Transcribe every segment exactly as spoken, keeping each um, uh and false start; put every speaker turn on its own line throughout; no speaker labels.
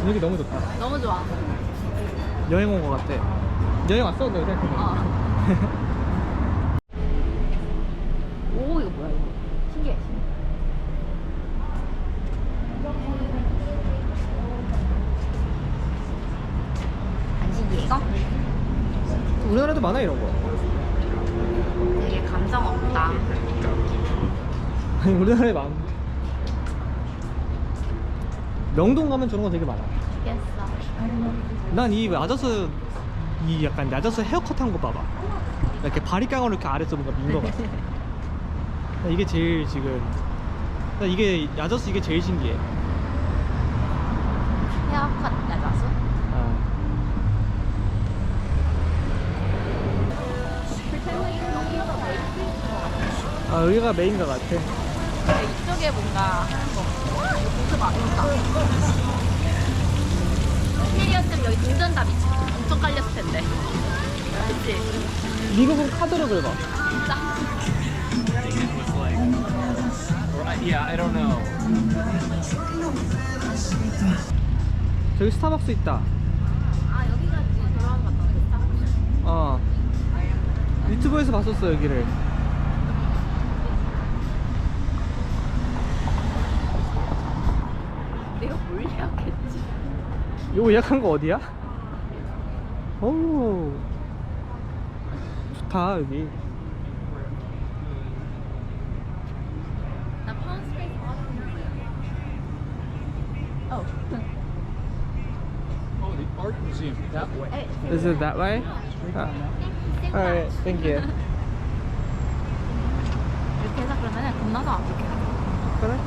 여기 너무 좋다.
너무 좋아.
여행 온 거 같아. 여행 왔어? 너 생각해봐.
어. 오 이거 뭐야 이거. 신기해. 신기해. 안 신기해 이거?
우리나라도 많아 이런 거.
되게 감정 없다.
아니 우리나라에 많아. 명동 가면 저런 거 되게 많아.
알겠어.
난 이 야자수 이 약간 야자수 헤어컷 한 거 봐봐. 이렇게 바리깡으로 이렇게 아래서 뭔가 민 거 같아. 나 이게 제일 지금 나 이게 야자수 이게 제일 신기해.
헤어컷 야자수?
아. 아 여기가 메인가 같아.
이쪽에 뭔가 하는 거. 와 이거 진짜 맛있다. 인테리어쯤 여기 동전답 있지. 엄청 깔렸을 텐데. 그치?
미국은 카드로 긁어.
진짜?
Yeah, I don't know.
저기 스타벅스 있다.
아 여기가 지금 돌아온 것 같다.
어. 유튜브에서 봤었어 여기를.
내가 뭘 예약했지?
이거 예약한 거 어디야? 오 좋다 여기.
나 파운스페이스 봤는데. 어.
Oh, the art museum that way.
Is it that way? Ah. Alright, thank you.
이렇게 해서 그러면 건너서 이렇게 하자.
그래?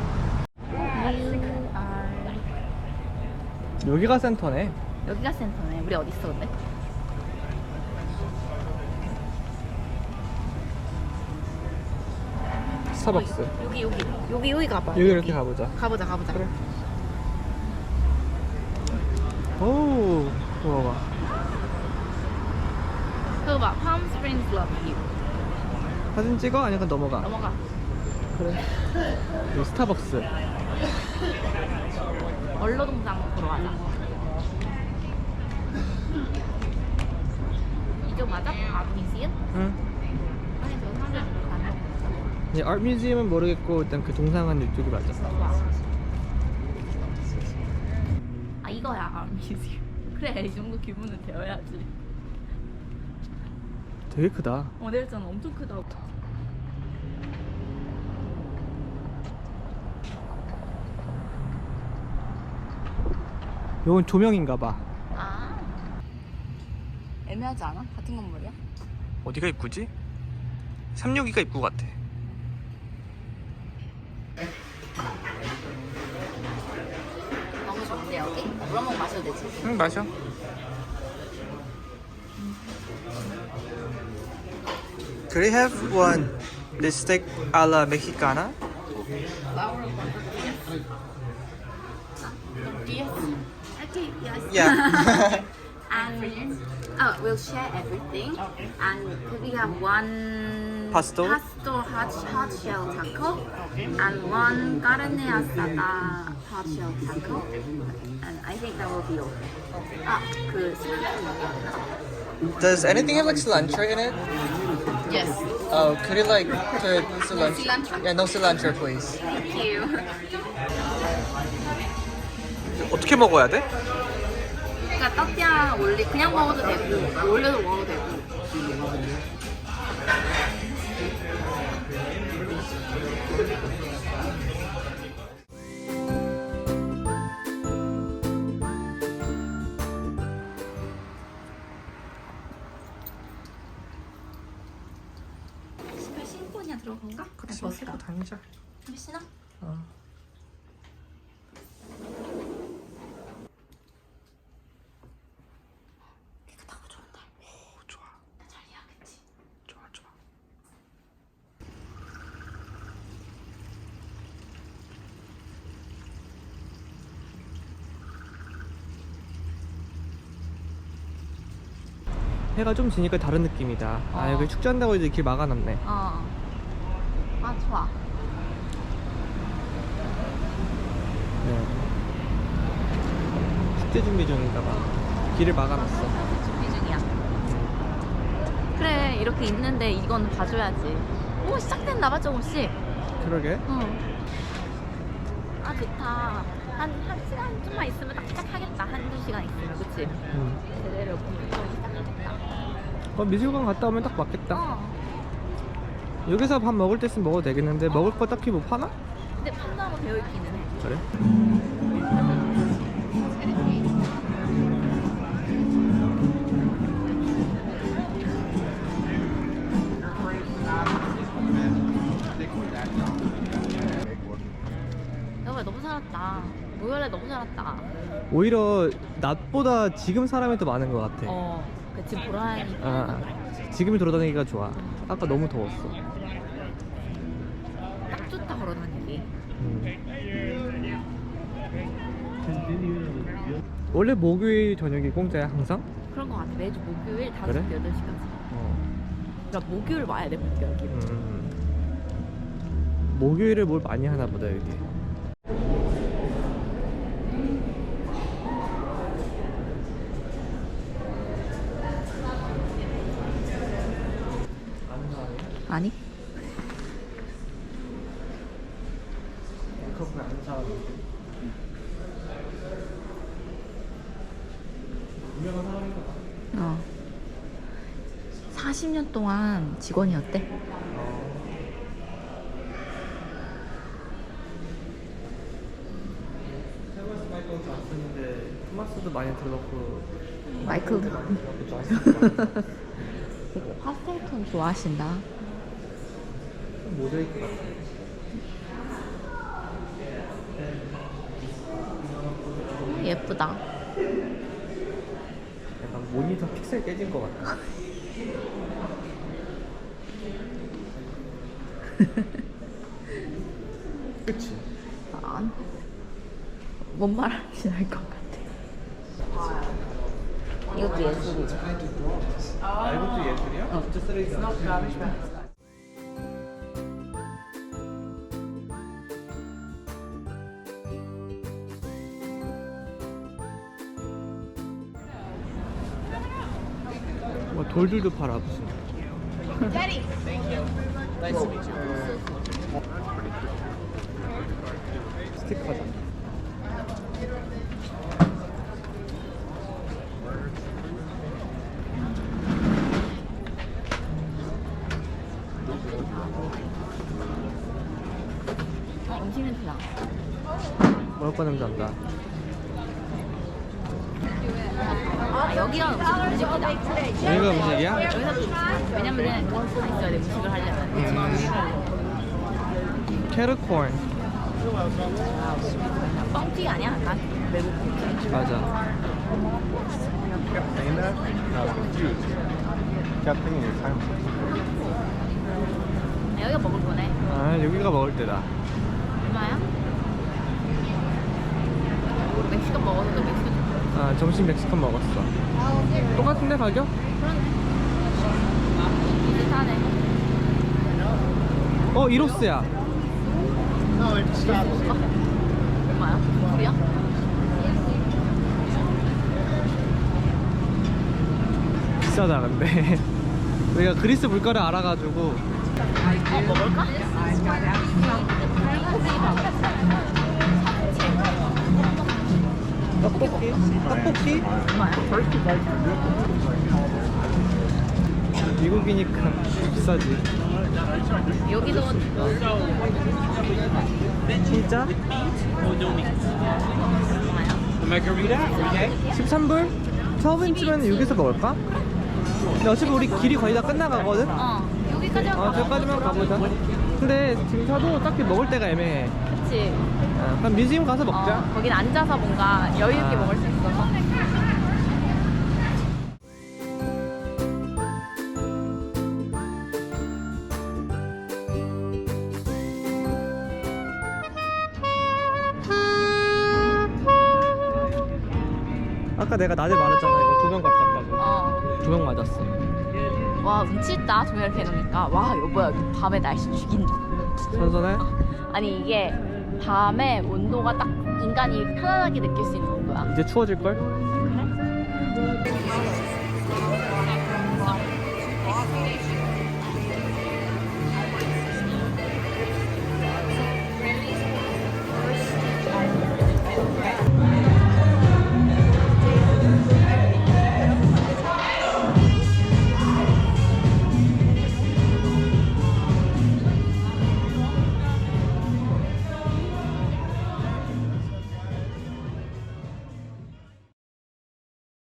아,
여기가 센터네.
여기가 센터네. 우리 어디 있어 근데?
스타벅스.
여기 여기 여기 여기 가봐.
여기 이렇게 가보자.
가보자 가보자.
그래. 오, 뭐가?
그거 봐. Palm Springs Love You.
사진 찍어? 아니면 넘어가?
넘어가.
그래. 여기 스타벅스.
얼로동상 보러 가자. 이쪽 맞아? 아트 뮤지엄?
응.
아니 저 사람들 보러 가는 거.
이 아트 뮤지엄은 모르겠고 일단 그 동상은 이쪽이 맞아.
좋아. 아 이거야 아트 뮤지엄. 그래 이 정도 규모는 되어야지.
되게 크다.
어 내가 했잖아 엄청 크다고.
이건 조명인가 봐.
아 애매하지 않아? 같은 건물이야?
어디가 입구지? 삼육이가 입구 같아.
너무 좋은데 여기? 물 한 번 마셔도 되지?
응, 마셔. Could I have one bistec a la mexicana?
Yes. Okay, yes.
Yeah.
And oh, we'll share everything. And could we have one
Pasto?
pasto hot, hot shell taco and one carne asada hot shell taco. And I think that will be all. Ah, 그 cilantro.
Does anything have like cilantro in it?
Yes.
Oh, could you like put cilantro?
cilantro?
Yeah, no cilantro, please.
Thank you.
어떻게 먹어야 돼?
그러니까 따띠아 올리 그냥 먹어도 되고 올려서 먹어도 되고. 신발 신고 그냥 들어간가? 그래 벗을까?
다니자.
신어?
어.
깨끗하고 좋은데.
오, 좋아.
잘 이해하겠지.
좋아, 좋아. 해가 좀 지니까 다른 느낌이다. 아,
어.
여기 축제한다고 이제 길 막아놨네.
어. 아 좋아.
네. 축제 준비 중인가 봐. 길을 막아놨어.
준비 중이야. 그래 이렇게 있는데 이건 봐줘야지. 오 시작됐나 봐 조금씩.
그러게.
응. 아 좋다. 한 한 시간 좀만 있으면 딱 시작하겠다. 한두 시간 있으면 그치?
응.
제대로 본격적으로 시작하겠다.
어, 미술관 갔다 오면 딱 맞겠다.
어.
여기서 밥 먹을 때 있으면 먹어도 되겠는데 먹을 거 딱히 뭐 파나?
근데 판다고 되어 있기는 해.
그래?
여보야 너무 살았다. 모열에 너무 살았다.
오히려 낮보다 지금 사람이 더 많은 것 같아.
어. 그 지금 보라니.
아, 지금이 돌아다니기가 좋아. 아까 너무 더웠어.
딱 좋다 걸어다니기.
음. 원래 목요일 저녁이 공짜야 항상?
그런 거 같아. 매주 목요일 다섯
그래?
시 여덟 시까지.
어.
그러니까 목요일 와야 돼 목요일.
음. 목요일에 뭘 많이 하나 보다 여기.
아니?
커플 안 사. 유명한 사람인가 봐.
어. 사십 년 동안 직원이었대.
세버스 마이클도 안 쓰는데 토마스도 많이 들어갔고.
마이클도.
좋았어.
되게 파스텔톤 좋아하신다.
모자이크 같아.
예쁘다.
약간 모니터 픽셀 깨진 것 같아. 그치?
아, 뭔 말하는지 알 것 같아. 이것도 예술이지.
아, 이것도 예술이야?
어.
진짜 쓰레기잖아. 뭐 돌들도 팔아 무슨. 스티커다.
어, 음식 냄새 나.
먹을 거 냄새 난다.
아, 여기가 음식 음식이다.
여기가 음식이야?
여기서 또 음식. 왜냐면은 다 있어야 돼 음식을 하려면.
캐러콘.
뻥튀기 아니야? 약간 외국 뻥튀기.
맞아.
Saying that? I was confused. Kept thinking it was time.
아, 여기가 먹을 거네.
아, 여기가 먹을 때다.
얼마야? 멕시칸 먹어서 멕시칸.
아, 점심 멕시칸 먹었어. 똑같은데 가격?
그런데. 비슷하네.
어, 이로스야.
얼마야? 불이야?
비싸다 근데. 우리가 그리스 물가를 알아가지고.
어, 먹을까?
떡볶이? 떡볶이?
얼마야?
미국이니까 비싸지.
여기도
진짜?
얼마야?
십삼 불? 십이 인치면 여기서 먹을까? 근데 어차피 우리 길이 거의 다 끝나가거든?
어, 여기까지만
어,
가봐.
저까지만 가보자. 근데 지금 사도 딱히 먹을 데가 애매해.
그치.
어, 그럼 뮤지엄 가서 먹자.
어, 거긴 앉아서 뭔가 여유있게
아.
먹을 수 있어서.
아까 내가 낮에 말했잖아. 이거 조명 같다고.
어.
조명 맞았어.
와, 운치 있다. 조명 이렇게 해놓으니까. 와, 여보야, 밤에 날씨 죽인다.
선선해?
아니, 이게 밤에 온도가 딱 인간이 편안하게 느낄 수 있는 온도야. 봐.
이제 추워질걸?